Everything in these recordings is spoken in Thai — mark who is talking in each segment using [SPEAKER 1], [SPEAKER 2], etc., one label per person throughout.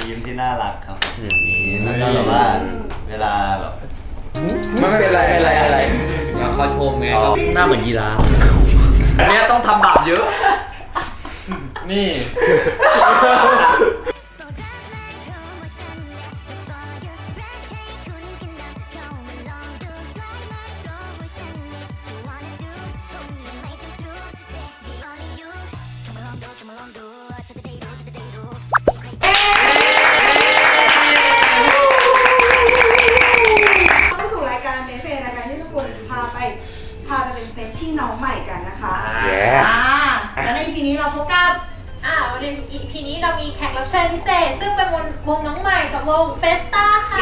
[SPEAKER 1] ยิ้มที่น่ารักครับอย่างนี้แล้วก็แบบว่าเวลาแบบ
[SPEAKER 2] ไม่เป็นไรอะไร
[SPEAKER 3] อยากเขาชมไงก็หน้าเหมือนยีราฟอันนี้ต้องทำบาปเยอะ
[SPEAKER 2] นี่
[SPEAKER 4] พาไปเป็นเฟรชชี่น้องใหม่กันนะคะ
[SPEAKER 2] Yeah
[SPEAKER 4] แล้วในปีนี้เราพบกับ
[SPEAKER 5] วันนี้ EP นี้เรามีแขกรับเชิญพิเศษซึ่งเป็นวงน้องใหม่กับวงเฟสต้าค่ะ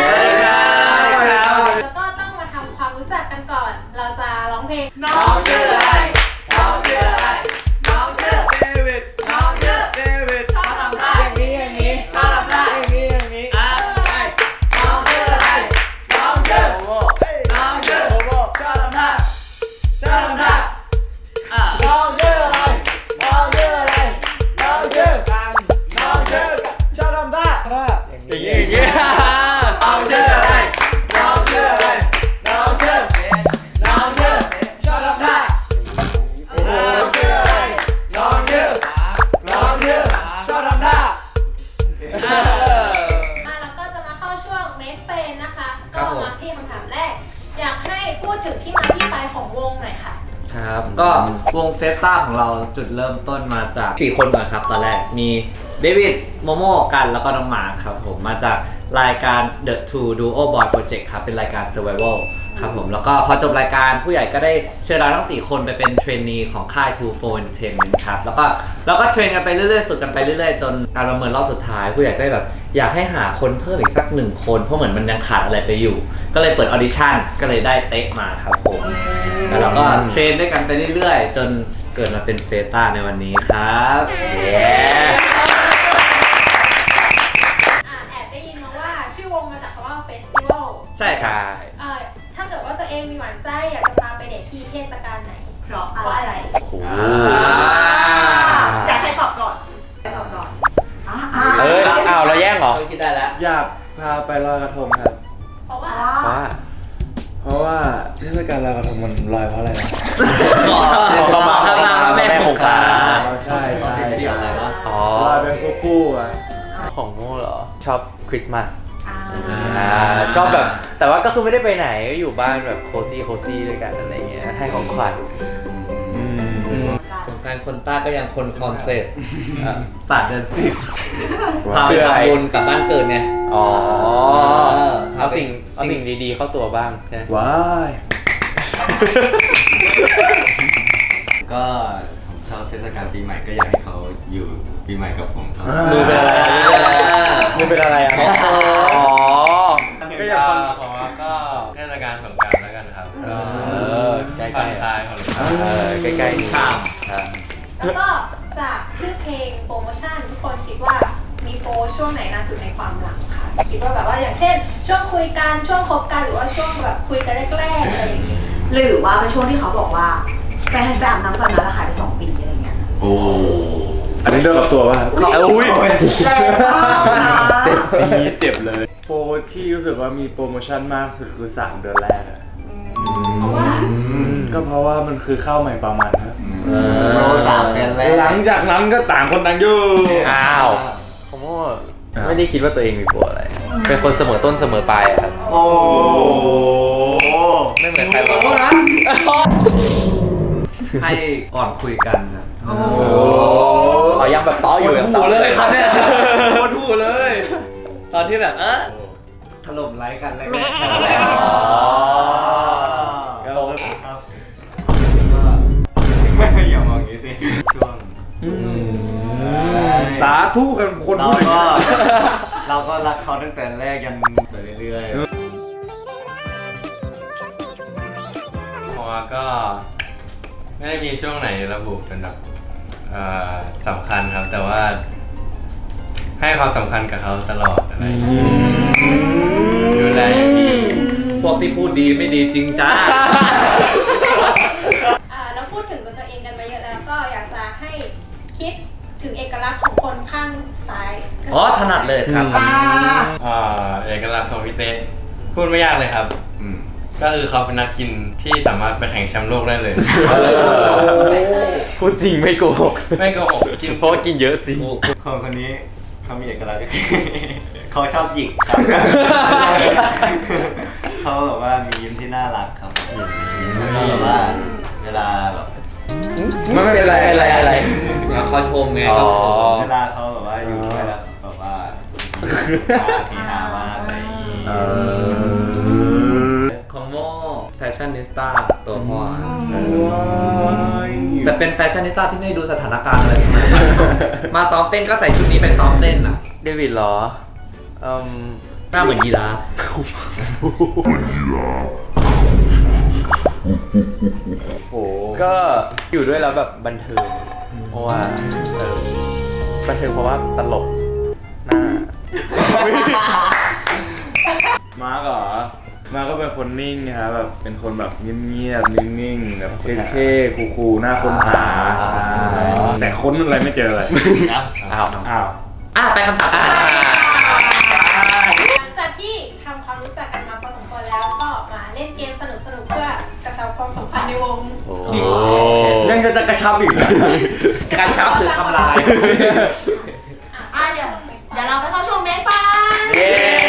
[SPEAKER 5] แล้วก็ต้องมาทำความรู้จักกันก่อนเราจะร้องเพลง
[SPEAKER 4] น้องชื่ออะไรน้องชื่ออะไรน้องชื่อเดวิดน้องชื่อเดวิดชอบทำท่าอย่างนี้ชอบทำท่าอย่างนี้น้องชื่ออะไรน้องชื่อน้องชื่อชอบทำท่าชอบทำท่าน้องชื่ออะไรน้องชื่ออะไรน้องชื่อน้องชื่อชอบทำท่าอย่างนี้น้องชื่ออะไรน้องชื่ออะไรน้องชื่อน้องชื่อชอบทำท่าน้องชื่ออะไรน้องชื่อน้องชื่อชอบทำท่า
[SPEAKER 5] แล้วก็จะมาเข้าช่วงเมสเฟนนะคะก็มาที่คำถามแรกอยากให้พูดถึงที่มาที่ไปของวงหน่อยค่ะ
[SPEAKER 3] ครับก็วงเฟสต้าของเราจุดเริ่มต้นมาจาก4คนก่อนครับตอนแรกมีเดวิดโมโม่กันแล้วก็น้องหมาครับผมมาจากรายการ The Two Duo Boy Project ครับเป็นรายการ Survival ครับผมแล้วก็พอจบรายการผู้ใหญ่ก็ได้เชิญเราทั้ง4คนไปเป็นเทรนนีของค่าย Two Four Entertainment ครับแล้วก็เทรนกันไปเรื่อยๆฝึกกันไปเรื่อยๆจนการประเมินรอบสุดท้ายผู้ใหญ่ก็แบบอยากให้หาคนเพิ่มอีกสัก1คนเพราะเหมือนมันยังขาดอะไรไปอยู่ก็เลยเปิดออดิชั่นก็เลยได้เต๊ะมาครับผมแล้วเราก็เทรนด้วยกันไปเรื่อยๆจนเกิดมาเป็นเฟต้าในวันนี้ครับ
[SPEAKER 5] แอบได้ยินมาว่าชื่อวงมาจากคำว่าเฟสติวัล
[SPEAKER 3] ใช่ครับ
[SPEAKER 5] ถ้าเกิดว่าตัวเองมีหวานใจอยากจะพาไปเดทที่เทศกาลไหน
[SPEAKER 4] เพราะอะไรอยากใครตอบก่อนตอบก่อน
[SPEAKER 2] เราแย่งเหรอ
[SPEAKER 1] คิดได้แล้ว
[SPEAKER 2] อยากพาไปลอยกระทงครับ
[SPEAKER 5] เพราะ
[SPEAKER 2] ว่าเทศกาลลอยกระทงมันลอยเพราะอะไรนะ
[SPEAKER 3] ขอมาข้างหน้าแม่คงคา
[SPEAKER 2] ใช่
[SPEAKER 1] เกี่ยวอะไรวะ
[SPEAKER 2] ลอยเป็นคู่อ่ะของโม่เหรอชอบคริสต์มาสชอบแบบแต่ว่าก็คือไม่ได้ไปไหนก็อยู่บ้านแบบโคซี่ด้วยกันอะไรเงี้ยให้ของขวัญ
[SPEAKER 3] สงการคนต้าก็ยังคนคอนเซ็ปต์ศาสตร์เดือน10พาไปทำบุญกับบ้านเกิดไง
[SPEAKER 2] เอาสิ่งดีๆเข้าตัวบ้างนะ
[SPEAKER 1] ว้ายก็ผมชอบเทศกาลปีใหม่ก็อยากให้เขาอยู่ปีใหม่กับผมครับ
[SPEAKER 2] มือเป็นอะไร
[SPEAKER 6] ก็อยากของก็เทศกาลสงกรานต์แล้วกันครับ
[SPEAKER 2] ใกล้
[SPEAKER 6] ๆของ
[SPEAKER 2] ใกล้ๆ
[SPEAKER 3] ชาม
[SPEAKER 5] แล้วก็จากชื่อเพลงโปรโมชั่นทุกคนคิดว่ามีโปรช่วงไหนนานสุดในความหลังค่ะคิดว่าแบบว่าอย่างเช่นช่วงคุยกันช่วงคบกันหรือว่าช่วงแบบคุยกันแรกๆอะไรอย่างงี้
[SPEAKER 4] หรือว่าเป็นช่วงที่เขาบอกว่าไปอาบน้ำก่อนนะแล้วหายไป2 ปีอะไรเงี้ย
[SPEAKER 1] โอ้
[SPEAKER 2] อันนี้เรื่องกับตัวป่ะ
[SPEAKER 4] อุ้ย
[SPEAKER 2] เจ็บเลยโปรที่รู้สึกว่ามีโปรโมชั่นมากสุดคือ3 เดือนแรก
[SPEAKER 5] เพราะว่า
[SPEAKER 2] ก็เพราะว่ามันคือข้าวใหม่ประมาณครับ
[SPEAKER 1] โปร3 เดือนแรก
[SPEAKER 2] หลังจากนั้นก็ต่างคนต่างอยู่ผมว่าไม่ได้คิดว่าตัวเองมีโปรอะไรเป็นคนเสมอต้นเสมอปลายครับ
[SPEAKER 1] โอ้
[SPEAKER 2] ไม่เหมือนใครบางคนนะ
[SPEAKER 3] ให้ก่อนคุยกันนะ
[SPEAKER 2] ยังแบบต้ออยู่
[SPEAKER 3] หูเลยครับเนี่ยหูเลยตอนที่แบบถล่มไลค์กันแรกๆ
[SPEAKER 1] อย่ามองอย่างนี้สิช่วง
[SPEAKER 2] สาธุกันคนพูด
[SPEAKER 1] เราก็รักเขาตั้งแต่แรกยันไปเรื่อยๆ
[SPEAKER 6] เพราะว่าก็ไม่ได้มีช่วงไหนระบุเป็นแบบสำคัญครับแต่ว่าให้ความสำคัญกับเขาตลอดอะไรดูแลอย่างดี
[SPEAKER 3] พวกที่พูดดีไม่ดีจริงจ้า
[SPEAKER 5] แล้วพูดถึงตัวเองกันมาเยอะแล้วก็อยากจะให้คิดถึงเอกลักษณ์ของคนข้างซ้าย
[SPEAKER 3] อ๋อถนัดเลยครับ
[SPEAKER 6] เอกลักษณ์ของพี่เต้พูดไม่ยากเลยครับ
[SPEAKER 1] อืม
[SPEAKER 6] ก็คือเขาเป็นนักกินที่สามารถไปแข่งแชมป์โลกได้เลย
[SPEAKER 2] พูดจริงไม่โกหก
[SPEAKER 6] ไม่โกหกกิน
[SPEAKER 2] เพราะว่ากินเยอะจริง
[SPEAKER 1] คนนี้เขามีเอกลักษณ์ เขาชอบหยิกครับ เขาแบบว่ามียิ้มที่น่ารักครับแล้วแบบว่าเวลาแบบ
[SPEAKER 2] ไม่เป็นไรอะไร
[SPEAKER 3] แล้วเขาชมไง
[SPEAKER 2] อ๋อ
[SPEAKER 1] เวลาเขาแบบว่าอยู่ด้วยแล้วแบบว่าเฮฮามากอะไรอย่างงี้
[SPEAKER 3] ของโมแฟชั่นนิสต้าตัวพ่อแต่เป็นแฟชั่นนิสต้าที่ไม่ดูสถานการณ์อะไรทั้งนั้นมาซ้อมเต้นก็ใส่ชุดนี้ไปซ้อมเต้นอ่ะ
[SPEAKER 2] เดวิดเหรอ
[SPEAKER 3] หน้าเหมือนยีราฟ
[SPEAKER 2] ก็อยู่ด้วยแล้วแบบบันเทิงเพราะว่าบันเทิงเพราะว่าตลกหน้า
[SPEAKER 7] มาร์กเหรอ มาร์กก็เป็นคนนิ่งนะครับแบบเป็นคนแบบเงียบๆนิ่งๆแบบเท่ๆคูลๆหน้าค้นหาใช่แต่ค้นอะไรไม่เจอเลย
[SPEAKER 2] อ้าว
[SPEAKER 7] อ้าว
[SPEAKER 3] ไปคำถาม
[SPEAKER 5] หลังจากที่ทำความรู้จักกันมาพอสมควรแล้วก็มาเล่นเกมสนุกๆเพื่อกระชับความสัมพันธ์ในวง
[SPEAKER 7] ยังจะกระชับอีกเหรอ
[SPEAKER 3] การชับหรือทำลาย
[SPEAKER 4] เดี๋ยวเราไปเข้าช่วงเมคฟัน
[SPEAKER 7] เย้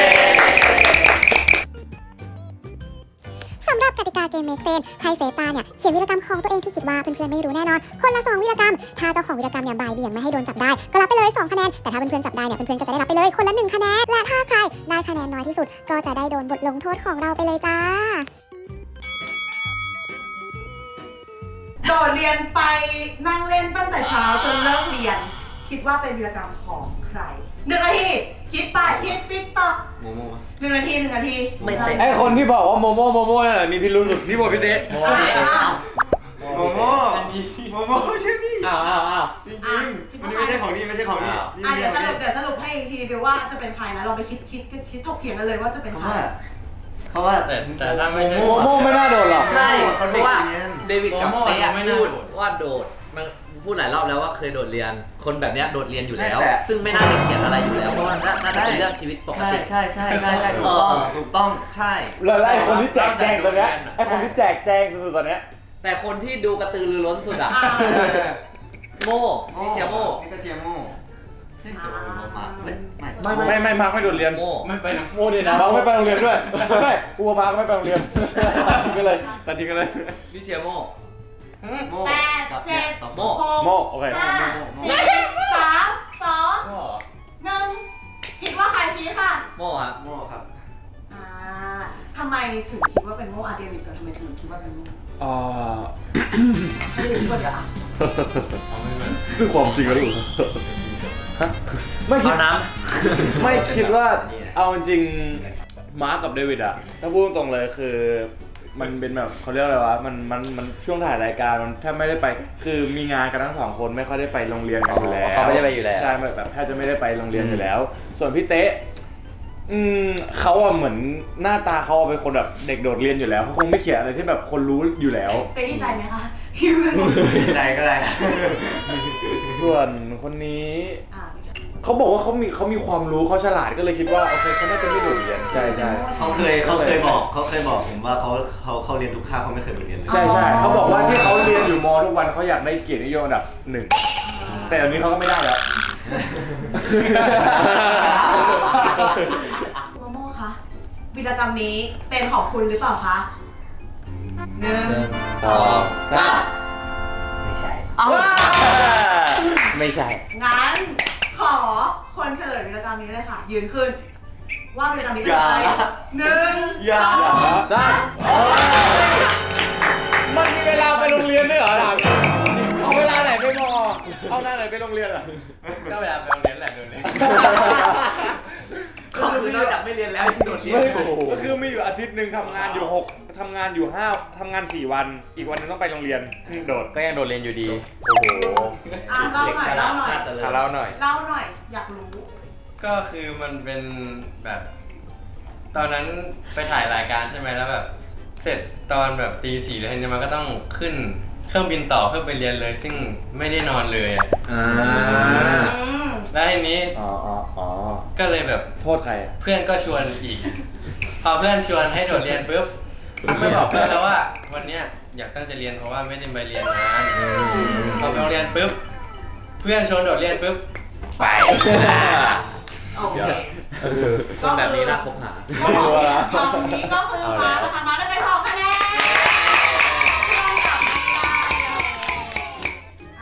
[SPEAKER 8] สำหรับกติกาเกมเมคเฟนให้เฟตาเนี่ยเขียนวีรกรรมของตัวเองที่คิดว่าเพื่อนๆไม่รู้แน่นอน คนละ2วีรกรรม ถ้าเจ้าของวีรกรรมเนี่ยบ่ายเบี่ยงไม่ให้โดนจับได้ก็รับไปเลย2คะแนนแต่ถ้าเพื่อนๆจับได้เนี่ยเพื่อนๆก็จะได้รับไปเลยคนละ1คะแนนและถ้าใครได้คะแนนน้อยที่สุดก็จะได้โดนบทลงโทษของเราไปเลยจ้า
[SPEAKER 4] โดดเรียนไปนั่งเล่นตั้งแต่เช้าจนเลิกเรียน คิดว่าเป็นวีรกรรมของใคร1 นาทีคิดไปคิดติ๊กต๊อก
[SPEAKER 1] โมโม่
[SPEAKER 4] 1 นาที1 นาที
[SPEAKER 3] ไม่เตะ
[SPEAKER 7] ไอคนที่บอกว่าโมโม่นั่นแหละมีพิรุธสุดนี่บอกพี่เต้
[SPEAKER 1] โมโม่ใช่นี่
[SPEAKER 3] อ้าว
[SPEAKER 1] จริงๆมันไม่ใช่ของนี่ไม่ใช่ของนี่
[SPEAKER 4] เดี๋ยวสรุปให้อีกทีเดียวว่าจะเป็นใครนะลองไปคิดถกเถียงกันเลยว่าจะเป็นใคร
[SPEAKER 1] เพราะว่า
[SPEAKER 6] แต่ถ้าไม่ใช่
[SPEAKER 7] โมโม่ไม่น่าโดนหรอก
[SPEAKER 3] ใช่
[SPEAKER 1] เขา
[SPEAKER 3] เพ
[SPEAKER 1] เด็ก
[SPEAKER 3] ราะว่า
[SPEAKER 1] เรียน
[SPEAKER 3] เดวิดกับ
[SPEAKER 6] โมโม่
[SPEAKER 3] เต้อะ
[SPEAKER 6] ไม่น่า
[SPEAKER 3] พูด
[SPEAKER 6] โดด
[SPEAKER 3] ว่าโดดมันพูดหลายรอบแล้วว่าเคยโดดเรียน คนแบบเนี้ยโดดเรียนอยู่แล้ว
[SPEAKER 1] แต่
[SPEAKER 3] ซึ่งไม่น่าจะเขียนอะไรอยู่แล้ว เพราะว่าน่าจะเป็นเรื่องชีวิตปกติ
[SPEAKER 1] ใช่ถูกต้องใช่
[SPEAKER 7] แล้วไอคนที่แจกแจงตอนเนี้ยไอคนที่แจกแจงสุดๆตอนเนี้ย
[SPEAKER 3] แต่คนที่ดูกระตือรือร้นสุดอะโม่นี่เชียร์โม่
[SPEAKER 1] นี่ก็เชียร์โม่เฮ้ยแต่ว่าโม่มาไม่
[SPEAKER 7] ไม่มาร์กไม่โดดเรียน
[SPEAKER 3] โม่
[SPEAKER 6] ไม่ไปนะ
[SPEAKER 7] โม่ดีนะมาร์กไม่ไปโรงเรียนด้วยไม่กลัวมาร์กไม่ไปโรงเรียนตัดทิ้งกันเลยตัดทิ้งกันเลย
[SPEAKER 3] นี่เชียร์โม่
[SPEAKER 1] โม่
[SPEAKER 4] 8 7
[SPEAKER 3] โม่
[SPEAKER 7] โม่โอเค
[SPEAKER 4] 5 4 3 2 1คิดว่าใครชี้ค่ะ
[SPEAKER 3] โม่อะ
[SPEAKER 1] โม่ครับ
[SPEAKER 4] ทำไมถึงคิดว่าเป็นโมเดวิดก่อนทำไมถึงคิดว่าเป็นโมไม่ได้คิดว่าเดี๋ยว
[SPEAKER 7] คือความจริงแล้วดิไม่คิด
[SPEAKER 3] เอาน้
[SPEAKER 7] ไม่คิดว่าเอาจริงมาร์กกับเดวิดอะถ้าพูดตรงๆเลยคือมันเป็นแบบเขาเรียกอะไรวะมันช่วงถ่ายรายการมันแทบไม่ได้ไปคือมีงานกันทั้ง2คนไม่ค่อยได้ไปโรงเรียนกันอยู่แล้ว
[SPEAKER 2] เขาไม่ได้ไปอยู่แล้ว
[SPEAKER 7] ใช่แบบแทบจะไม่ได้ไปโรงเรียนอยู่แล้ว ส่วนพี่เต๊ะเขาอะเหมือนหน้าตาเขาเป็นคนแบบเด็กโดดเรียนอยู่แล้วเขาคงไม่เขียนอะไรที่แบบคนรู้อยู่แล้ว
[SPEAKER 4] เต้ดีใจไหมคะที่เพื่อนบอก
[SPEAKER 1] ใจก็ได้
[SPEAKER 7] ส่วนคนนี้ เขาบอกว่าเขามีความรู้เขาฉลาดก็เลยคิดว่าโอเคเขาน่าจะไม่โดดเรียนใช่
[SPEAKER 1] เขาเคยบอกผมว่าเขาเรียนทุกคาบเขาไม่เคยไปเรียนเลย
[SPEAKER 7] ใช่เขาบอกว่าที่เขาเรียนอยู่ม.ทุกวันเขาอยากได้เกียรตินิยมอันดับ 1แต่อันนี้เขาก็ไม่ได้แล้ว
[SPEAKER 4] โมโม่คะวีรกรรมนี้เป็นของคุณหรือเปล่าคะ1
[SPEAKER 3] ำ 2 3
[SPEAKER 2] ไม่ใช่
[SPEAKER 4] เอาว่า
[SPEAKER 2] ไม่ใช่
[SPEAKER 4] งั้นขอคนเฉลยวีรกรรมนี้เลยค่ะ ยืนขึ้น ว่าวีรกรรมนี้เป็นใคร1
[SPEAKER 1] อย่า
[SPEAKER 7] มันมีเวลาไปโรงเรียนด้วยเหรอถามเอาเวลาไหนไปมอเอาหน้าไหนไปโรงเรียนอ่ะ
[SPEAKER 6] ก็เวลาไปโรงเรียนแหละโดนเลย
[SPEAKER 3] ก็คือนอกจากไม่เรียนแล้วยังโดดเรียน
[SPEAKER 7] ก็คือมีอยู่อาทิตย์หนึ่งทำงานอยู่6ทำงานอยู่5ทำงาน4วันอีกวันนึงต้องไปโรงเรียนโดด
[SPEAKER 2] ก็ยังโดดเรียนอยู่ดี โอ้โห
[SPEAKER 4] เล่าหน่อย
[SPEAKER 3] ชาติเจริญ
[SPEAKER 2] เล่าหน่อย
[SPEAKER 4] อยากรู้
[SPEAKER 6] ก็คือมันเป็นแบบ ตอนนั้นไปถ่ายรายการใช่ไหมแล้วแบบ เสร็จตอนแบบตี 4แล้วทีนี้มันก็ต้องขึ้นเครื่องบินต่อเพื่อไปเรียนเลย ซึ่งไม่ได้นอนเลยอ่ะ
[SPEAKER 3] อ่า
[SPEAKER 6] แล้วทีนี้
[SPEAKER 7] อ๋อ
[SPEAKER 6] ก็เลยแบบ
[SPEAKER 7] โทษใครอะ
[SPEAKER 6] เพื่อนก็ชวนอีก พอเพื่อนชวนให้โดดเรียนปุ๊บไม่บอกเพื่อนแล้วว่าวันเนี้ยอยากตั้งใจเรียนเพราะว่าไม่ได้ไปเรียนงานพอไปโรงเรียนปุ๊บเพื่อนชวนโดดเรียนปุ๊บไป
[SPEAKER 4] โอเค
[SPEAKER 3] คนแบบนี้น่าคบหา
[SPEAKER 4] ก็บอกว่าคำนี้ก็คือมานะคะมาได้ไป2คะแนนเพื่อนกลับไม่ได้อ่ะ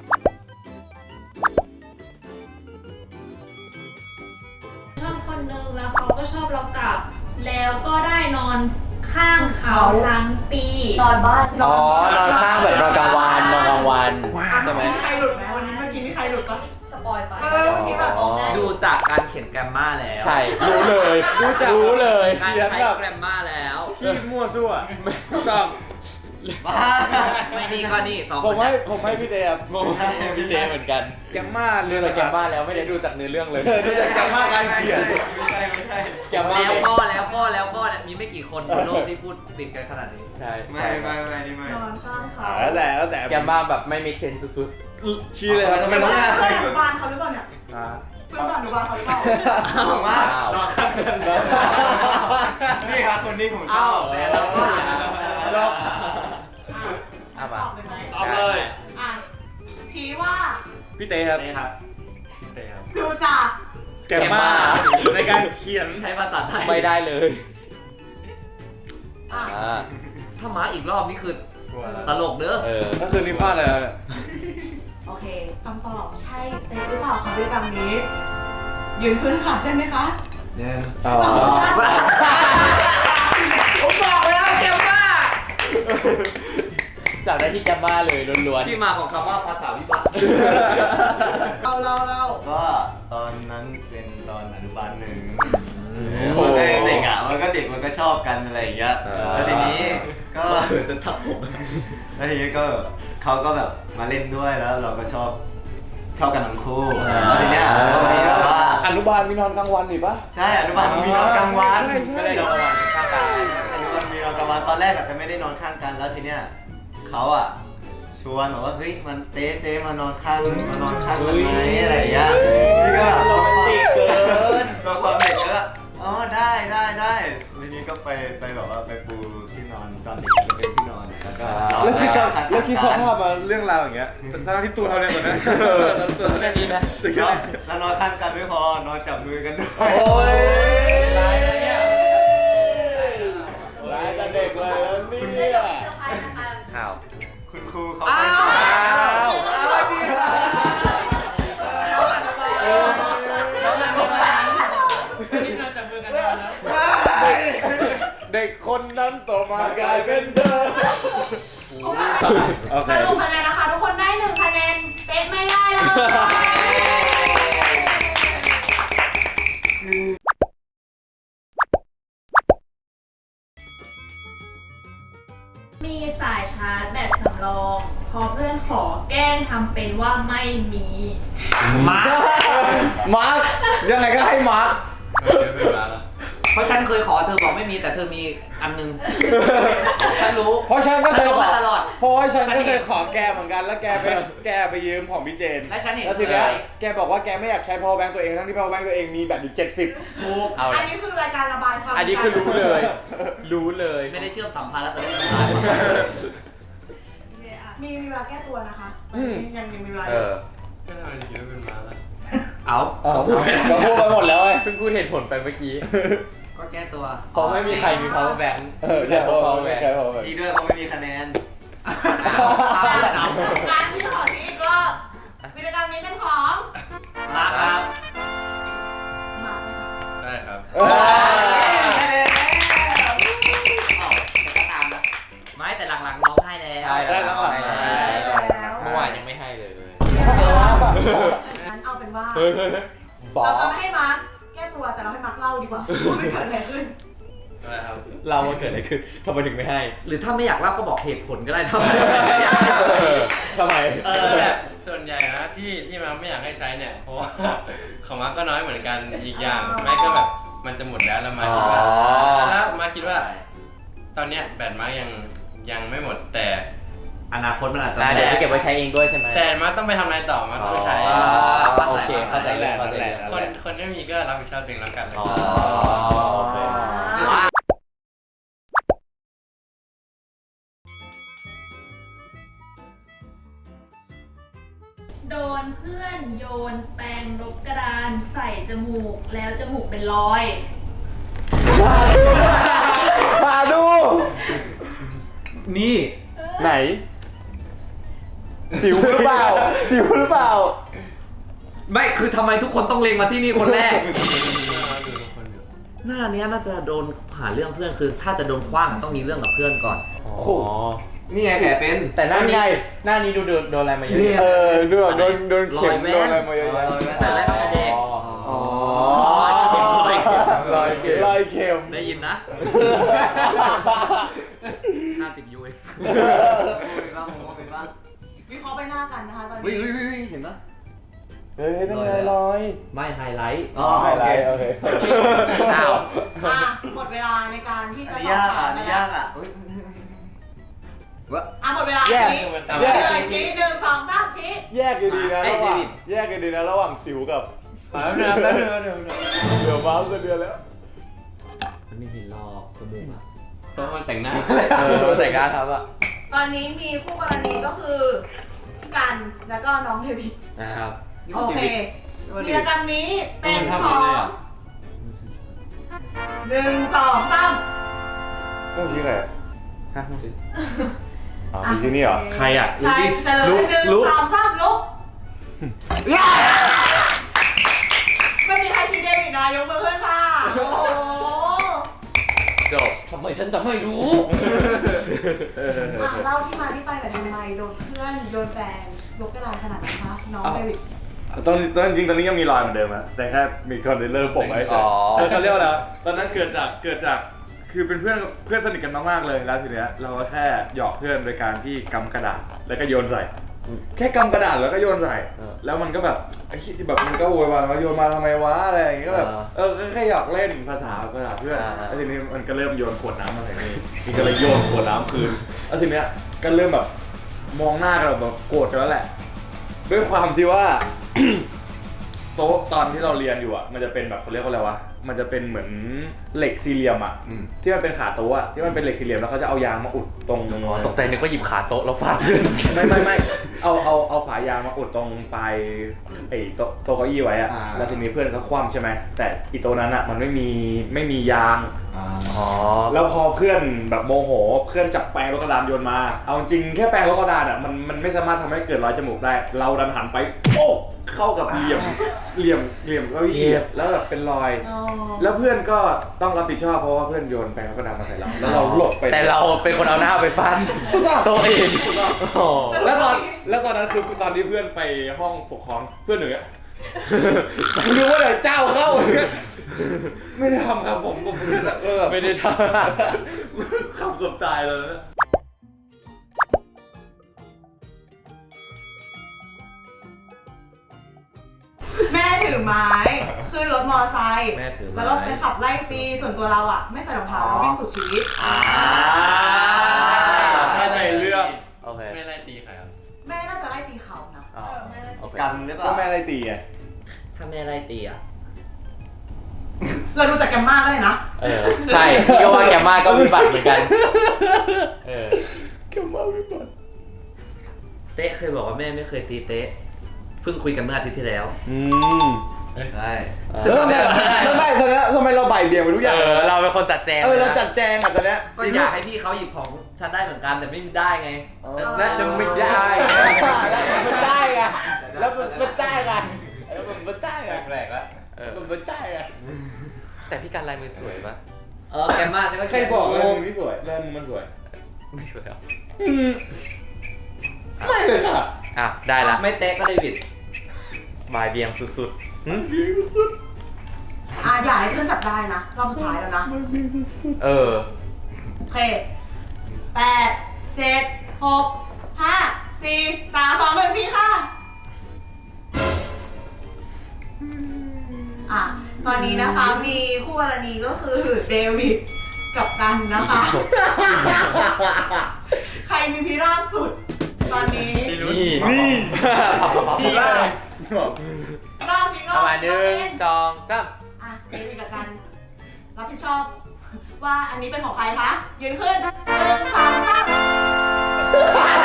[SPEAKER 9] ชอบคนนึงแล้วเขาก็ชอบเรากลับ แล้วก็ได้นอนข้างเขาทั้งปี
[SPEAKER 4] นอนบ้าน
[SPEAKER 2] อ๋อนอนข้างแบบนอนกลางวันนอนกลางวันใช่ไหม
[SPEAKER 4] มีใครหลุดไหมวันนี้เมื่อกี้มีใครหลุดก็
[SPEAKER 9] สปอยไป
[SPEAKER 4] เมื่อกี้แบบ
[SPEAKER 2] อ๋อ
[SPEAKER 3] ดูจากการเขียนแกรมมาแล้ว
[SPEAKER 2] ใช่รู้เลยรู้เลย
[SPEAKER 3] การใช้แกรมมาแล้ว
[SPEAKER 7] ที่มั่วซั่วถูกต้อง
[SPEAKER 1] บ้า
[SPEAKER 3] ไม่นี่ก็นี่สอง
[SPEAKER 7] ผมให้พี่เตครับ
[SPEAKER 2] พี่เจเหมือนกัน
[SPEAKER 7] แกมมา
[SPEAKER 2] ดูจากแกมมาแล้วไม่ได้ดูจากเนื้อเรื่องเลย
[SPEAKER 7] ดูจากแกมมาการเขียน
[SPEAKER 1] ไม่ใช่
[SPEAKER 2] แกมมา
[SPEAKER 3] แล้ว
[SPEAKER 2] ไม่
[SPEAKER 3] ก็เนี่ยมีไม่กี่คนบนโลกที่พูดติดกันขนาดนี้
[SPEAKER 2] ใช่
[SPEAKER 1] ไม่นี่ไม่
[SPEAKER 4] นอนข้างเขา
[SPEAKER 7] แล้วแต่
[SPEAKER 2] แกมมาแบบไม่ make sense สุด
[SPEAKER 7] ชี้เลยครับ
[SPEAKER 1] ทำไม
[SPEAKER 4] เพื่
[SPEAKER 1] ต้
[SPEAKER 4] อ
[SPEAKER 1] อง
[SPEAKER 4] นอนุบาลเขาหรือเปล่าเนี่ย
[SPEAKER 7] อ่า
[SPEAKER 4] เพื่อนอนุบาลเขาหรือเปล่า
[SPEAKER 1] ผมว่า
[SPEAKER 3] นอนข้างกัน
[SPEAKER 1] นี่ครับคนนี้ผมชอบ
[SPEAKER 3] แต่เราก็อย่า
[SPEAKER 7] ชอบ
[SPEAKER 2] อ่ะ
[SPEAKER 4] ต
[SPEAKER 2] มา
[SPEAKER 4] อบเลยไหม
[SPEAKER 3] ตอบเลย
[SPEAKER 4] อ่ะชี้ว่า
[SPEAKER 7] พี่เตครับ
[SPEAKER 3] นี่ครับ
[SPEAKER 6] เต็มครับ
[SPEAKER 4] ดูจาก
[SPEAKER 7] แกมมาในการเขียน
[SPEAKER 3] ใช้ภาษาไทย
[SPEAKER 2] ไม่ได้เลย
[SPEAKER 4] อ่ะ
[SPEAKER 2] อ่า
[SPEAKER 3] ถ้ามาอีกรอบนี่คือ
[SPEAKER 6] กลัวแล้ว
[SPEAKER 3] ตลกเด้อ
[SPEAKER 7] ก็คือนี่พลาดเลยนะ
[SPEAKER 4] โอเคคำตอบใช่เต็มหรือเปล่าคะด้วยกรรมนี้ ยืนขึ้นค่ะใช่ไหมคะ
[SPEAKER 2] อ๋อ
[SPEAKER 3] ผมบอกแล้วแกมมา
[SPEAKER 2] จับได้ที่แกมมาเลยล้วน
[SPEAKER 3] ที่มาของคำว่าภาษาวิบัติ
[SPEAKER 4] เรา
[SPEAKER 1] ก็ตอนนั้นเป็นตอนอนุบาล1
[SPEAKER 2] ๆ
[SPEAKER 1] มันก็เด็กอ่ะมันก็เด็กมันก็ชอบกันอะไรอย่างเงี้ยแล้วทีนี้ก็
[SPEAKER 3] เผื่อจะทับผม
[SPEAKER 1] แล้วทีนี้ก็เขาก็แบบมาเล่นด้วยแล้วเราก็ชอบกันทั้งคู่แล้วทีเนี้ยก็มีแบบว่า
[SPEAKER 7] อนุบาลมีนอนกลางวันนี่ปะ
[SPEAKER 1] ใช่อนุบาลมีนอนกลางวัน
[SPEAKER 7] ใช่
[SPEAKER 1] ก็เลยนอนกลางวันข้างกันอนุบาลมีนอนกลางวันตอนแรกอาจจะไม่ได้นอนข้างกันแล้วทีเนี้ยเขาอ่ะชวนบอกว่าเฮ้ยมันเจ๊มานอนข้างกันไหมอะไรอย่างเงี้ยนี่ก็แบบ
[SPEAKER 2] โรแมนติกเกิน
[SPEAKER 1] ก็ความเด็กก็อ๋อได้ทีนี้ก็ไปแบบว่าไปปูที่นอนตอนเด็กจะเป็นที่นอนแล้วก็
[SPEAKER 7] แล้วคิดสภาพมาเรื่องราวอย่างเงี้ยทั้งที่ตัวเท่านี้ก่อนนะตัวเท่านี้นะสุดยอด
[SPEAKER 1] แล้วนอนข้างกันไม่พอนอนจับมือกันด้วย
[SPEAKER 7] โอ้ย
[SPEAKER 2] ร้ายนะเนี่ย
[SPEAKER 7] ร้ายแต่เด็กเลยแล้วนี่
[SPEAKER 5] เดี๋ยวมีเซอร์ไพรส์นะคะ
[SPEAKER 2] ข่าว
[SPEAKER 1] คุณครูเขา
[SPEAKER 3] อ้า
[SPEAKER 1] ไป
[SPEAKER 7] เด็กคนนั้นต่อมากลายเป็นเธอโอเค
[SPEAKER 4] สรุปคะแนนนะคะ ทุกคนได้1คะแนนเป๊ะไม่ได้เลย
[SPEAKER 9] มีสายชาร์จแบตสำรองพอเพื่อนขอแกล้งทำเป็นว่าไม่มี
[SPEAKER 3] มาร์ค
[SPEAKER 7] มาร์คยังไงก็ให้มาร์ค
[SPEAKER 6] เดี๋ยวเป็นมาแล้ว
[SPEAKER 3] เพราะฉันเคยขอเธอบอกไม่มีแต่เธอมีอันนึง ฉันรู้
[SPEAKER 7] เพราะฉันก็เคยขอ
[SPEAKER 3] มาตลอด
[SPEAKER 7] เพราะว่าฉันก็เคยขอแกเหมือนกันแล้วแกไปยืมของพี่เจน
[SPEAKER 3] และฉันเห็น
[SPEAKER 7] แล้วทีเนี้ย
[SPEAKER 3] เคย
[SPEAKER 7] แกบอกว่าแกไม่อยากใช้ power bank ตัวเองทั้งที่ power bank ตัวเองมีแบตอยู่70
[SPEAKER 3] ถูก
[SPEAKER 2] เอา
[SPEAKER 4] อั
[SPEAKER 2] ละ
[SPEAKER 4] นนี้คือรายการระบายความ
[SPEAKER 2] อันนี้คือรู้เลย รู้เลย
[SPEAKER 3] ไม่ได้เชื่อมสัมพันธ์แล้วแต่ได้
[SPEAKER 4] มีเวลาแก้ตัวนะคะยังมีเวลา
[SPEAKER 2] เออ
[SPEAKER 6] ก็ทำไมถึงคิดว่าเป็นมาแล้ว
[SPEAKER 3] เอา
[SPEAKER 7] ก็พูดไปหมดแล้วไอ้
[SPEAKER 2] เพิ่งพูดเหตุผลไปเมื่อกี้
[SPEAKER 3] ก็แก้ตัว
[SPEAKER 2] เพราะไม่มีใครมี power bank
[SPEAKER 7] แค่ power bank แค่ power bank
[SPEAKER 1] ชี้ด้วยเขาไม่มีคะแนน
[SPEAKER 4] งานที่ขอชี้อีกรอบวิธีกรรมนี้เป็นของ
[SPEAKER 3] มาครับ
[SPEAKER 4] มาไหมคะ
[SPEAKER 6] ใช่ครับ
[SPEAKER 3] ก็ตามนะไม่แต่หลังๆน้องให้แล้ว
[SPEAKER 2] ใช่
[SPEAKER 7] ได้แล้ว
[SPEAKER 2] ให้แล้ว
[SPEAKER 4] แล้ว
[SPEAKER 2] เมื่อวานยังไม่ให้เลย
[SPEAKER 4] งั้นเอาเป็นว่า
[SPEAKER 2] บอ
[SPEAKER 4] เราจะ
[SPEAKER 2] ก
[SPEAKER 4] ไม่ให้มาร์คแก้ตัวแต่เราให้มาร์คเล่าดีกว่าว่ามันเกิดอะไรขึ้น
[SPEAKER 6] อะไรครับ
[SPEAKER 2] เราว่าเกิดอะไรขึ้นทำไมถึงไม่ให้
[SPEAKER 3] หรือถ้าไม่อยากเล่าก็บอกเหตุผลก็ได้นะ
[SPEAKER 2] ทำไม
[SPEAKER 6] แบบส่วนใหญ่นะที่มาไม่อยากให้ใช้เนี่ยเพราะว่าของมาก็น้อยเหมือนกันอีกอย่างแม่ก็แบบมันจะหมดแล้วแล้วมาคิดว่า
[SPEAKER 2] อ๋อ
[SPEAKER 6] แล้วมาคิดว่า ตอนเนี้ยแบตมายังไม่หมดแต่
[SPEAKER 3] อนาคตมันอาจจะ
[SPEAKER 2] เดี๋ยวจะเก็บไว้ใช้เองด้วยใช่ไหม
[SPEAKER 6] แต่มาต้องไปทำอะไรต่อมาต้องไปใช้
[SPEAKER 2] โอเคเข้าใจแล้วเข้าใจแล้ว
[SPEAKER 6] คนที่มีก็รับผิดชอบตัวเองแล้วกัน
[SPEAKER 2] อ๋อโอเค
[SPEAKER 9] โดนเพื่อนโยนแปรงลบกระดานใส่จมูกแล้วจมูกเป็นรอย
[SPEAKER 7] มาดู
[SPEAKER 3] นี่
[SPEAKER 7] ไหน สิวหรือเปล่า สิวหรือเปล่า
[SPEAKER 3] ไม่คือทำไมทุกคนต้องเล็งมาที่นี่คนแรก
[SPEAKER 6] ดูทุกคนอยู่
[SPEAKER 3] หน้าเนี้ยน่าจะโดนหาเรื่องเพื่อนคือ ถ้าจะโดนคว้างอะต้องมีเรื่องกับเพื่อนก่อน
[SPEAKER 2] อ๋อ
[SPEAKER 1] นี่ไงแผลเป็น
[SPEAKER 2] แต่หน้านี้หน้านี้ดูโดนอะไรมาเยอะ
[SPEAKER 7] เออดูแบบโดนเข็ม
[SPEAKER 3] รอยแว่น
[SPEAKER 7] โดนอะไรมาเยอะแยะ
[SPEAKER 3] แต่แรกไม่เด็ก
[SPEAKER 7] อ๋อ
[SPEAKER 3] รอยเข็ม
[SPEAKER 7] รอยเข็ม
[SPEAKER 3] ได้ยินนะ50 ยูเอง
[SPEAKER 1] เป็นบ้างผมว่าเป็นบ้าง
[SPEAKER 4] วิเคราะห์ใบหน้ากันนะคะตอน
[SPEAKER 1] เฮ้ย
[SPEAKER 4] นี้
[SPEAKER 1] เห็นปะ
[SPEAKER 7] เฮ้ยนั่นไงรอย
[SPEAKER 3] ไม่ไฮไลท์
[SPEAKER 1] อ๋อ
[SPEAKER 7] ไฮไลท์โอเค
[SPEAKER 3] อ้าว
[SPEAKER 4] หมดเวลาในการที่
[SPEAKER 1] อัน
[SPEAKER 4] จะ
[SPEAKER 1] นี้
[SPEAKER 4] สอบ
[SPEAKER 1] ยาก
[SPEAKER 4] ถา
[SPEAKER 1] อ่ะ
[SPEAKER 4] ม
[SPEAKER 1] อัน
[SPEAKER 4] ไป
[SPEAKER 1] นี้
[SPEAKER 4] แล้
[SPEAKER 1] ยาว กอ่ะเฮ้ยวะ
[SPEAKER 4] หมดเวลา
[SPEAKER 7] แยก
[SPEAKER 4] ชี้
[SPEAKER 7] แยก
[SPEAKER 4] เลยชี้1 2 3ชี้
[SPEAKER 7] แยกกันดีนะระหว่างแยกกันดีนะระหว่างสิวกับ
[SPEAKER 6] แป๊บนึง
[SPEAKER 7] เดี๋ยวมาก็เดือนแล้ว
[SPEAKER 3] มันไม่เห็นหรอกจมูกอะ
[SPEAKER 6] ต้องมาแต่งหน้า
[SPEAKER 2] แต่งงานครับอ่ะ
[SPEAKER 4] ตอนนี้มีคู่กรณีก็คือพี่กันแล้วก็น้องเทวิต
[SPEAKER 3] นะครับ
[SPEAKER 4] โอเควีรกรรมนี้เป็นของ1 2 3
[SPEAKER 7] โอ้ชี้ใครอ๋อมีที่นี่เหรอ
[SPEAKER 3] ใครอ่ะ
[SPEAKER 4] ใช่เฉลย1 2 3ลุกไม่มีใครชี้เดวิดนะยกมือขึ้นค่ะโอ้โห
[SPEAKER 2] จบทำไมฉันจะไม่รู้
[SPEAKER 4] เล่าที่มาที่ไปแต่อยทำไมโดนเพื่อนโยนแฟนยกกระดานขนาดนั้นคะน้องเดวิด
[SPEAKER 7] ตอนจริงตอนนี้ยังมีรอยเหมือนเดิมอะแต่แค่มีคอนเทนเนอร์ปกไว้เฉ
[SPEAKER 2] อ๋
[SPEAKER 7] ย
[SPEAKER 2] อ
[SPEAKER 7] เขาเรียกว่าอะไรตอนนั้นเกิดจากคือเป็นเพื่อนสนิทกันมากๆเลยแล้วทีเนี้ยเราก็แค่หยอกเพื่อนโดยการที่กำกระดาษแล้วก็โยนใส่ แค่กำกระดาษแล้วก็โยนใส่แล้วมันก็แบบไอ้ที่แบบมันก็โวยวายว่าโยนมาทำไมวะอะไรอย่างเงี้ยก็แบบก็แค่หยอกเล่นภาษาเพื่อนแล้วทีนี้มันก็เริ่มโยนขวดน้ำมาใส่นี่ก็เลยโยนขวดน้ำคืนแล้วทีเนี้ยก็เริ่มแบบมองหน้ากันแบบโกรธกันแล้วแหละด้วยความที่ว่า โต๊ะตอนที่เราเรียนอยู่อ่ะมันจะเป็นแบบเขาเรียกว่าอะไรวะมันจะเป็นเหมือนเหล็กสี่เหลี่ยมอ่ะที่มันเป็นขาโต๊ะอ่ะที่มันเป็นเหล็กสี่เหลี่ยมแล้วเขาจะเอายางมาอุดตรง
[SPEAKER 2] ตกใจนึกว่าหยิบขาโต๊ะแล้วฟาด
[SPEAKER 7] ไม่เอาฝายางมาอุดตรงปลายไอ้โต๊ะเก้าอี้ไว้อ่ะแล้วทีนี้เพื่อนก็คว่ำใช่ไหมแต่อีโต๊ะนั้นอ่ะมันไม่มียาง
[SPEAKER 2] อ๋อ
[SPEAKER 7] แล้วพอเพื่อนแบบโมโหเพื่อนจับแปรงลบกระดานโยนมาเอาจริงแค่แปรงลบกระดานอ่ะมันไม่สามารถทำให้เกิดรอยจมูกได้เราดันหันไปโป๊ะเข้ากับเหลี่ยมเก้าอี้แล้วแบบเป็นรอย แล้วเพื่อนก็ต้องรับผิดชอบเพราะว่าเพื่อนโยนแปรงลบกระดานมาใส่เราแล้วเราหลบไป
[SPEAKER 2] แต่เราเป็นคนเอาหน้าไปฟาดโต๊ะเองโอ้
[SPEAKER 7] แล้วตอนนั้นคือตอนที่เพื่อนไปห้องปกครองเพื่อนหนึ่งอะ รู้ว่าไหนเจ้าเข้าไม่ได้ทำครับผมเพื่อนอะไม่ได้ทำขับเกือบตายเลยนะ
[SPEAKER 4] แม่ถือไม้ขึ้นรถมอไซค์
[SPEAKER 3] แม่ถือไม้
[SPEAKER 4] แล้วก็ไปขับไล่ตีส่วนตัวเราอ่ะไม่ใส่รองเท้าแล้ววิ่งสุดชีวิต
[SPEAKER 7] เข้าใจเรื่อง
[SPEAKER 2] โอเค
[SPEAKER 6] ไม่ไล่ตีใครครับ
[SPEAKER 4] แม่น่าจะไล่ตีเขานะ
[SPEAKER 2] อ๋อโอเค
[SPEAKER 1] กันหรือเป
[SPEAKER 7] ก็
[SPEAKER 1] ล่า
[SPEAKER 7] แม่อะไรตีไง
[SPEAKER 3] ถ้าแม่ไล่ตีอ่ะ
[SPEAKER 4] เราดูจากแกมมาก็เลยนะ
[SPEAKER 2] ใช่พี่ก็ว่าแกมมาก็วิบัติเหมือนกัน
[SPEAKER 7] แกมาวิบัติ
[SPEAKER 3] เต๊ะเคยบอกว่าแม่ไม่เคยตีเต๊ะเพิ่งคุยกันเมื่ออาทิตย์ที่แล้ว
[SPEAKER 1] ใช่
[SPEAKER 7] แล้วทำไมเราบ่ายเบี่ยงไปทุกอย่าง
[SPEAKER 2] เราเป็นคนจัดแจง
[SPEAKER 7] เราจัดแจงอ่ะตอนเนี้ย
[SPEAKER 3] ก็อยากให้พี่เขาหยิบของฉันได้เหมือนกันแต่ไม่ได้ไง
[SPEAKER 2] และยังไม่ได้
[SPEAKER 7] มันได้ไงแล้วมันได้ไงแล้วมันได้ไง
[SPEAKER 2] แปลกแล้ว
[SPEAKER 7] มันได้ไง
[SPEAKER 2] แต่พี่การลายมือสวยปะ
[SPEAKER 3] แกมมาฉันก็
[SPEAKER 7] ใครบอกเลยมึงนี่สวยแล้วมึงมันสวย
[SPEAKER 2] ไม่สวยหรอ
[SPEAKER 7] ไม่เลยค่ะ
[SPEAKER 2] อ่ะได้ละ
[SPEAKER 3] ไม่เต๊ะก็เดวิด
[SPEAKER 2] บายเบียงสุดๆหึ
[SPEAKER 4] อย่าให้เพื่อนจับได้นะรอบสุดท้ายแล้วนะ
[SPEAKER 2] เออ
[SPEAKER 4] โอเค8 7 6 5 4 3 2 1ชี้ค่ะตอนนี้นะคะมีคู่กรณีก็คือเดวิดกับกันนะคะ ใครมีพิราบสุดตอนนี้
[SPEAKER 2] นี่
[SPEAKER 7] นี่เลย
[SPEAKER 4] รอบชิงร
[SPEAKER 2] ป
[SPEAKER 4] อบ
[SPEAKER 2] ระมาณ1 2 3
[SPEAKER 4] อ่ะเดวิดกับกันรับผิดชอบ ว่าอันนี้เป็นของใครคะยืนขึ้น1 2 3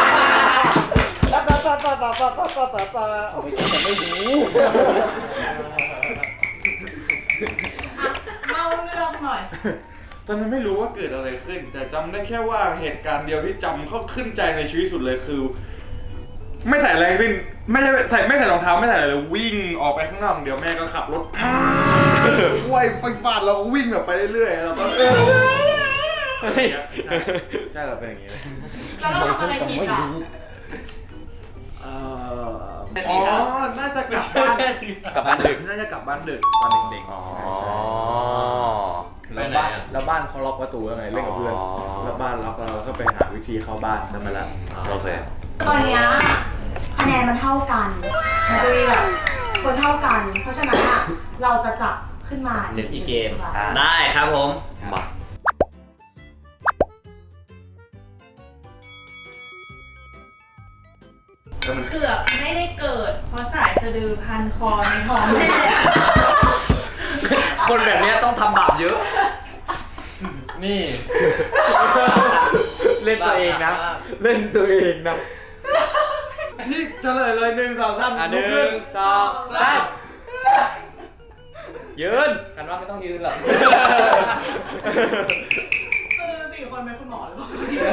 [SPEAKER 4] เล่าเรื่องหน่อย
[SPEAKER 7] ตอนนั้นไม่รู้ว่าเกิดอะไรขึ้น แต่จำได้แค่ว่าเหตุการณ์เดียวที่จำเข้าขึ้นใจในชีวิตสุดเลยคือ ไม่ใส่อะไรทั้งสิ้นไม่ใส่รองเท้าไม่ใส่อะไรเลยวิ่งออกไปข้างนอกเดี๋ยวแม่ก็ขับรถไวไปฟาดเราก็วิ่งแบบไปเรื่อยๆแล้วก็ใช่เราเป็นอย่างนี้เลย
[SPEAKER 4] แล้วเราทำอะไรผิดอ่ะ
[SPEAKER 7] อ๋อน่าจะกลับบ้าน
[SPEAKER 2] กลับบ้านดึก
[SPEAKER 7] น่าจะกลับบ้านดึกตอนเด็กๆ
[SPEAKER 2] อ๋อ
[SPEAKER 7] แล้วบ้านเขาล็อกประตูแล้วไงเล่นกับเพื่อน
[SPEAKER 2] อ๋อ
[SPEAKER 7] แล้วบ้านล็อกเราก็ไปหาวิธีเข้าบ้านนั่นมาละ
[SPEAKER 2] โอเค
[SPEAKER 4] ตอนเนี้ยคะแนนมันเท่ากันมันจะมีแบบคนเท่ากัน เพราะฉะนั้นอ่ะเราจะจับขึ้นมา
[SPEAKER 3] เล่นอีกเกม
[SPEAKER 4] ค่ะ
[SPEAKER 3] ได้ครับผม
[SPEAKER 2] มา
[SPEAKER 9] เกือบไม่ได้เกิด เพราะสายสะดือพันคอในท้องแม่
[SPEAKER 3] คนแบบเนี้ยต้องทำบาปเยอะ
[SPEAKER 2] นี่ เล่นตัวเองนะ เล่นตัวเองนะ
[SPEAKER 7] นี่เฉลยเลย1 2 3
[SPEAKER 2] อ่ะ1 2 3ยืน
[SPEAKER 3] กันว่าไม่ต้องยืนหรอก
[SPEAKER 4] คือ4 คนเป็นคุณหมอหรือเปล่า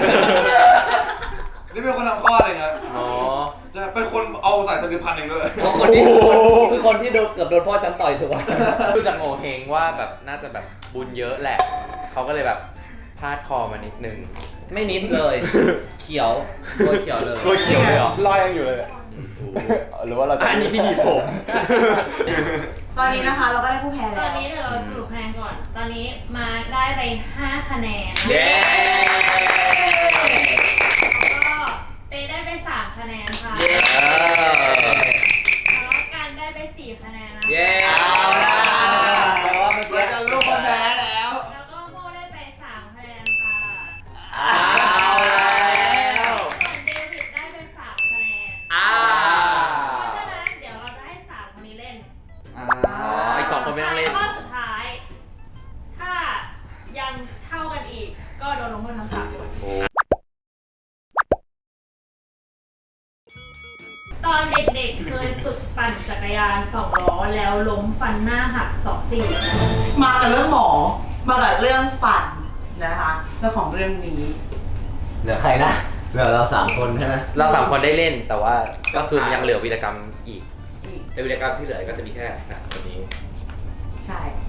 [SPEAKER 7] นี่เป็นคนทำข้อเลยครับ
[SPEAKER 2] อ๋อ
[SPEAKER 7] จะเป็นคนเอาสายสะดือพันเองด้วย
[SPEAKER 3] เพราะคนนี้คือคนที่เกือบโดนพ่อฉันต่อยถูกป่ะ
[SPEAKER 2] ดูจากโง่เฮงว่าแบบน่าจะแบบบุญเยอะแหละ เขาก็เลยแบบพาดคอมานิดนึง
[SPEAKER 3] ไม่นิดเลย เขียวตัวเขียวเลย
[SPEAKER 2] ตัวเขียวเลยเหรอ
[SPEAKER 7] รอยยังอยู่เลยหรือว่าเราจะ
[SPEAKER 2] อันนี้ที่มีผม
[SPEAKER 4] ตอนนี้นะคะเราก็ได้ผู้แพ้
[SPEAKER 9] ต
[SPEAKER 4] แล้
[SPEAKER 9] อน
[SPEAKER 4] ว
[SPEAKER 9] นี้เดี๋ยวเราสรุปคะแนนก่อน ตอนนี้มาได้ไป5คะแนน
[SPEAKER 2] เย้
[SPEAKER 9] แล้วก็เต้ได้ไป3คะแนนค่ะ
[SPEAKER 2] เย้
[SPEAKER 9] แล้วกันได้ไป4คะแนนนะคะ
[SPEAKER 3] เย้เอาละแปลว่าเมื่อกี้
[SPEAKER 7] จะรู้คนแพ้แล้ว
[SPEAKER 9] แล้วก็โมได้ไป3คะแนนค่ะ
[SPEAKER 3] เอาแล้ว
[SPEAKER 9] ส่วนเดวิดได้ไป3คะแนน
[SPEAKER 3] อ้า
[SPEAKER 9] เพราะฉะนั้นเดี๋ยวเราจะให้3คนนี้เล่น
[SPEAKER 2] อีก2 คนไม่ต้องเล่น
[SPEAKER 9] ข้อสุดท้าย ถ้ายังเท่ากันอีก ก็โดนลงโทษทั้ง3คน ตอนเด็กๆ เคยฝึกปั่นจักรยาน2 ล้อแล้วล้มฟันหน้าหัก2 ซี่
[SPEAKER 4] มากับเรื่องหมอ มากับเรื่องฝันนะคะเรื่องของเรื่องนี้
[SPEAKER 1] เหลือใครนะ เหลือเรา3 คนใช่ไหม
[SPEAKER 2] เรา3 คนได้เล่นแต่ว่าก็คือยังเหลือวีรกรรมอีก
[SPEAKER 3] ในวิดีโอกรรมที่เหลือก็จะมีแค่คนนี้
[SPEAKER 4] ใช่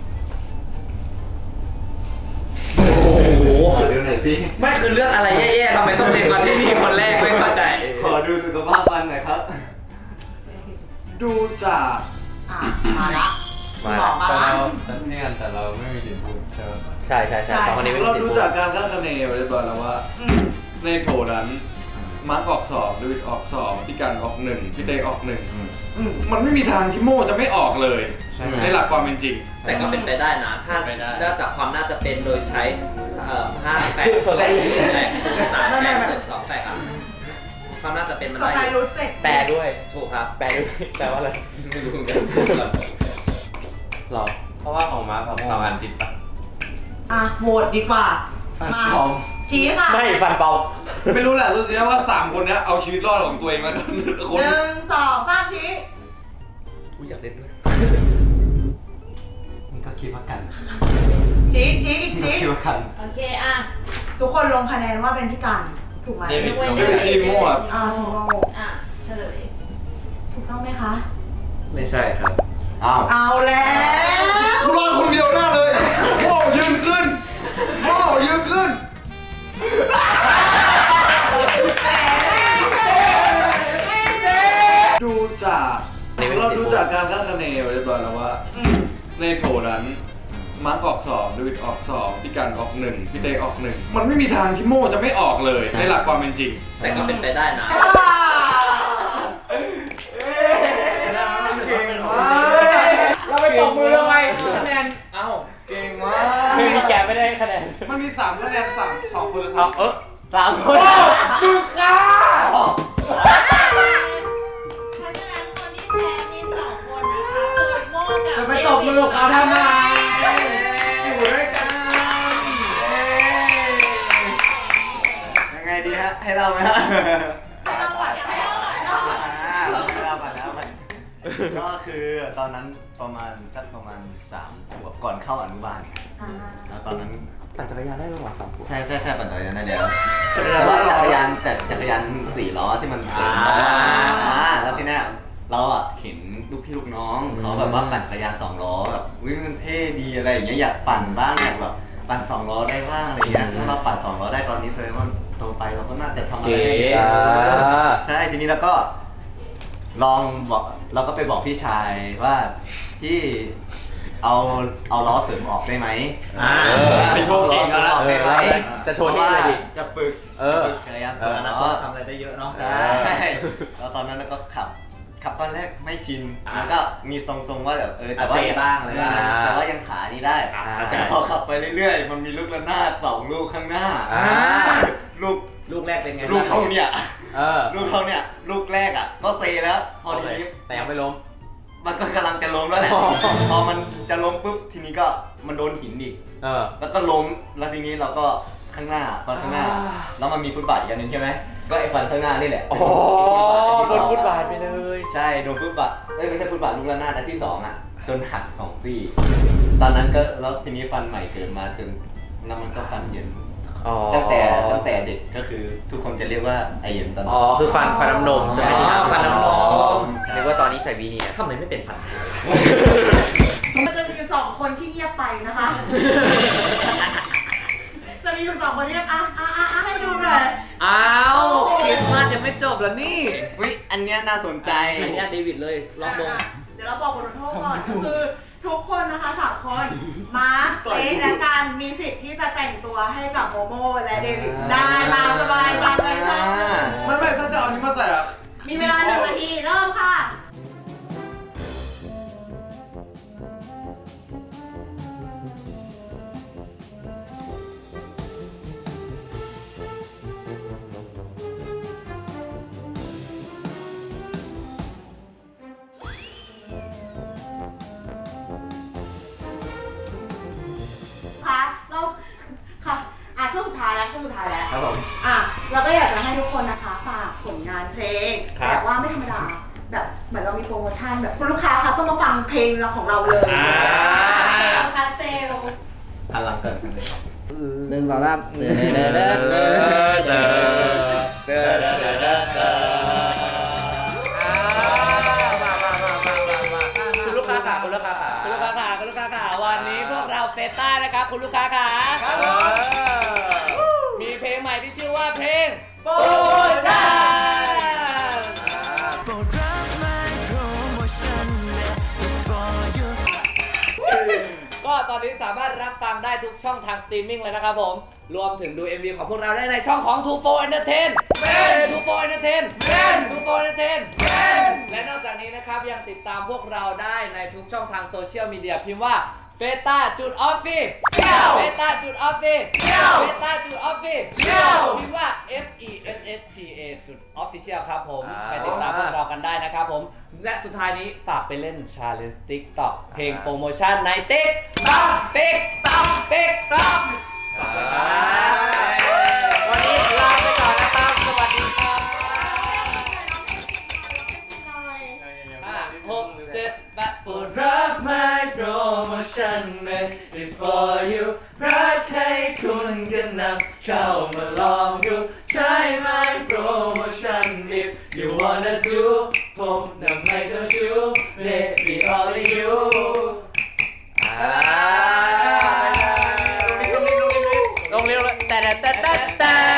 [SPEAKER 3] โอ้โห
[SPEAKER 1] ขอดูหน่อยสิ
[SPEAKER 3] ไม่คือเรื่องอะไรแย่ๆทำไมต้องเล่นมาที่นี่คนแรกไม่เข้าใจ
[SPEAKER 1] ขอดูสุขภาพฟันหน่อยครับ
[SPEAKER 7] ดูจาก
[SPEAKER 4] อ่ะมาละ
[SPEAKER 2] มา
[SPEAKER 4] หมอมา
[SPEAKER 6] แต่
[SPEAKER 4] ละ
[SPEAKER 6] เราเนี่ยแต่เราไม่มีสิทธิ์พูดใช่ไหม
[SPEAKER 2] ใช่2 คนนี้ไม่มี
[SPEAKER 7] เรา
[SPEAKER 2] สิท
[SPEAKER 7] ดู
[SPEAKER 2] ธิ์พูด
[SPEAKER 7] จากการคาดคะเนไว้เรียบร้อยแล้วว่า ในโถนั้นมาร์กออก2ดูวิดออก2พี่กันออก1พี่เต้ออก1มันไม่มีทางที่โม่จะไม่ออกเลย ในหลักความเป็นจริง
[SPEAKER 3] แต่ก็เป็นไปได้นะ ถ้า
[SPEAKER 6] ไม่ได้
[SPEAKER 3] ได้จากความน่าจะเป็นโดยใช้5 แฝกแฝก3แฝก2 แฝกอ่ะความน่าจะเป็นมัน
[SPEAKER 4] ส
[SPEAKER 3] ได้
[SPEAKER 4] ไตล์รู้เจ็ด
[SPEAKER 2] แปลด้วย
[SPEAKER 3] ถูกครับ
[SPEAKER 2] แปลด้วยแปลว่าอะไร
[SPEAKER 3] ไม่รู้เหมือนกัน
[SPEAKER 2] หรอ
[SPEAKER 6] เพราะว่าของมาร์ค2 อันติดปะ
[SPEAKER 4] อ่ะโหวตดีกว่า มาชี้ค่ะ
[SPEAKER 2] ไม่ฟันเปา
[SPEAKER 7] ไม่รู้แหละสุดท้ายว่า3 คนเนี้ยเอาชีวิตรอดของตัวเองแล้วกันคน
[SPEAKER 4] 1 2 3ชี้
[SPEAKER 3] อุ๊ยอยากเล่นด้วย
[SPEAKER 1] นี่ก็คิดว่ากัน
[SPEAKER 4] ชี้อีกชี้
[SPEAKER 1] คิดว่ากัน
[SPEAKER 9] โอเค อ่ะ
[SPEAKER 4] ทุกคนลงคะแนนว่าเป็นพี่กัน ถูกไหม
[SPEAKER 6] เดวิดลง
[SPEAKER 7] ไม่เป็นทีมโม่อะ
[SPEAKER 4] อ่าชิโม
[SPEAKER 9] อ่ะ เฉลย
[SPEAKER 4] ถูกต้องไหมคะ
[SPEAKER 3] ไม่ใช่ครับ
[SPEAKER 1] อ้าว
[SPEAKER 4] เอาแล้ว
[SPEAKER 7] กูรอดคนเดียวหน้าเลยโม่ยืนขึ้นโม่ยืนขึ้น ดูจากเราดูจากการคาดคะเนไว้เรียบร้อยแล้วว่า ในโถนั้นมาร์กออก2ดูวิดออก2พี่กันออก1พี่เต้ออก1มันไม่มีทางที่โม่จะไม่ออกเลยในหลักความเป็นจริง
[SPEAKER 3] แต่ก็เป็นไปได้นะ
[SPEAKER 7] เก่งมากเราไปตบมือทำไมคะแนนเอ้าเก่งมาก
[SPEAKER 2] คือมีแกไม่ได้คะแนน
[SPEAKER 7] มันมี3คะแนน2 คนเลย
[SPEAKER 2] เอา3 คน
[SPEAKER 7] มึงค่ะรุปเขาทำอะไร
[SPEAKER 1] อยู่ด้วยกันยังไงดีฮะให้เราไหมฮะให้เราก่อนก็คือตอนนั้นประมาณ3 ขวบก่อนเข้าอนุบาลแล้วตอนนั้น
[SPEAKER 2] ปั่นจักรยานได้ระหว่าง3 ขวบ
[SPEAKER 1] ใช่ปั่นจักรยานได้แล้วแต่ว่าจักรยาน4 ล้อที่มันแล้วทีเนี้ยเราอ่ะเห็นลูกพี่ลูกน้องเขาแบบว่าปั่นจักรยาน2 ล้อแบบมันเท่ดีอะไรอย่างเงี้ยอยากปั่นบ้างอยากแบบปั่น2 ล้อได้บ้างอะไรเงี้ยถ้าเราปั่น2 ล้อได้ตอนนี้เลยว่าโตไปเราก็น่าจะทำอะไรได้ใช่ทีนี้เราก็ลองบอกเราก็ไปบอกพี่ชายว่าพี่เอาล้อเสริมออกได้ไหม
[SPEAKER 3] ไปโชว์เองก็แล้ว
[SPEAKER 1] ได้ไหม
[SPEAKER 2] จะโชว์ที่อะไรดิ
[SPEAKER 1] จะฝึกจักรยาน
[SPEAKER 3] อนาคตทำอะไรได้เยอะเนาะ
[SPEAKER 1] ใช่แล้วตอนนั้นเราก็ขับตอนแรกไม่ชินแล้วก็มีทรงๆว่าแบบแต่ว่า
[SPEAKER 3] บ้างอะไรบ้าง
[SPEAKER 1] แต่ว่ายังขานี้ได้แต่พอขับไปเรื่อยๆมันมีลูกระนาด2 ลูกข้างหน้าลูก
[SPEAKER 3] ลูกแรกเป็นไง
[SPEAKER 1] ลูกเขาเนี่ย
[SPEAKER 2] ลู
[SPEAKER 1] ลูกแรกอ่ะก็เซแล้วพอทีนี้
[SPEAKER 2] แต่ยังไม่ล้ม
[SPEAKER 1] มันก็กำลังจะล้มแล้วแหละพอมันจะล้มปุ๊บทีนี้ก็มันโดนหินอีกแล้วก็ล้มแล้วทีนี้เราก็ข้างหน้าแล้วมันมีฟุตบาทอีกอันนึงใช่ไหมก็ไอ้ฟันข้างหน้านี่แหละ
[SPEAKER 2] โดนฟุตบาทไปเลย
[SPEAKER 1] ใช่โดนฟุตบาทไม่ใช่ฟุตบาทลูกระนาดอันที่2อ่ะจนหัก2 ซี่ตอนนั้นก็แล้วทีนี้ฟันใหม่เกิดมาจนแล้วมันก็ฟันเย็นตั้งแต่เด็กก็คือทุกคนจะเรียกว่าไอเย็นตอนนั้น
[SPEAKER 2] คือฟันน้ำนมใช่ไหม
[SPEAKER 3] ฟันน้ำนม
[SPEAKER 2] เรียกว่าตอนนี้ใส่วีเนียร์
[SPEAKER 3] ทำไมไม่เป็นฟัน
[SPEAKER 4] มันจะมีอยู่2 คนที่เงียบไปนะคะ จะมีอยู่2 คนที่ให้ดูหน่อย
[SPEAKER 3] อ้าวคริสต์มาสยังไม่จบแล้วนี่
[SPEAKER 1] อันเนี้ยน่าสนใจ
[SPEAKER 3] อันนี้เดวิดเลยลองลง
[SPEAKER 4] เดี๋ยวเราบอกบทลงโทษก่อนก็คือทุกคนนะคะ3 คนมาร์คเต๊และการมีสิทธิ์ที่จะแต่งตัวให้กับโมโมและเดวิดได้ตามสบายตามใจชอบ
[SPEAKER 7] ไม่ถ้าจะเอานี้มาใส่อะ
[SPEAKER 4] มีเวลา1 นาทีเริ่มค่ะ ช่วงสุดท้ายแล้ว
[SPEAKER 1] ครับผม
[SPEAKER 4] เราก็อยากจะให้ทุกคนนะคะฝากผลงานเพลงแบบว่าไม่ธรรมดาแบบเหมือนเรามีโปรโมชั่นแบบคุณลูกค้าคะต้องมาฟังเพลงเราของเราเลย
[SPEAKER 5] คาเซล
[SPEAKER 1] พลังเกิดขึ้นเลย
[SPEAKER 3] 1 2 3คุณลูกค้าค่ะวันนี้พวกเราเฟต้านะครับคุณลูกค้าค่ะมีเพลงใหม่ที่ชื่อว่าเพลงโปรโมชั่นก็ตอนนี้สามารถรับฟังได้ทุกช่องทางสตรีมมิ่งเลยนะครับผมรวมถึงดู MV ของพวกเราได้ในช่องของ Two For Entertain และนอกจากนี้นะครับยังติดตามพวกเราได้ในทุกช่องทางโซเชียลมีเดียพิมพ์ว่าเฟต้าจุดออฟฟิพิมพ์ว่า FESSTA จุด Official ครับผมไปติดตามพวกเรากันได้นะครับผมและสุดท้ายนี้ฝากไปเล่น Challenge TikTok เพลงโปรโมชั่นใน TikTok วันนี้ลาไปก่อนนะครับสวัสดีครับ6 7 8โปรดรักไม่โปรโมชั่น made it for you รักให้คุณกันนำเข้ามาลองดูใช้ไหมโปรโมชั่น if you wanna do ผมนำให้เจ้าชู้ baby only you ลงเร็วเลยแต่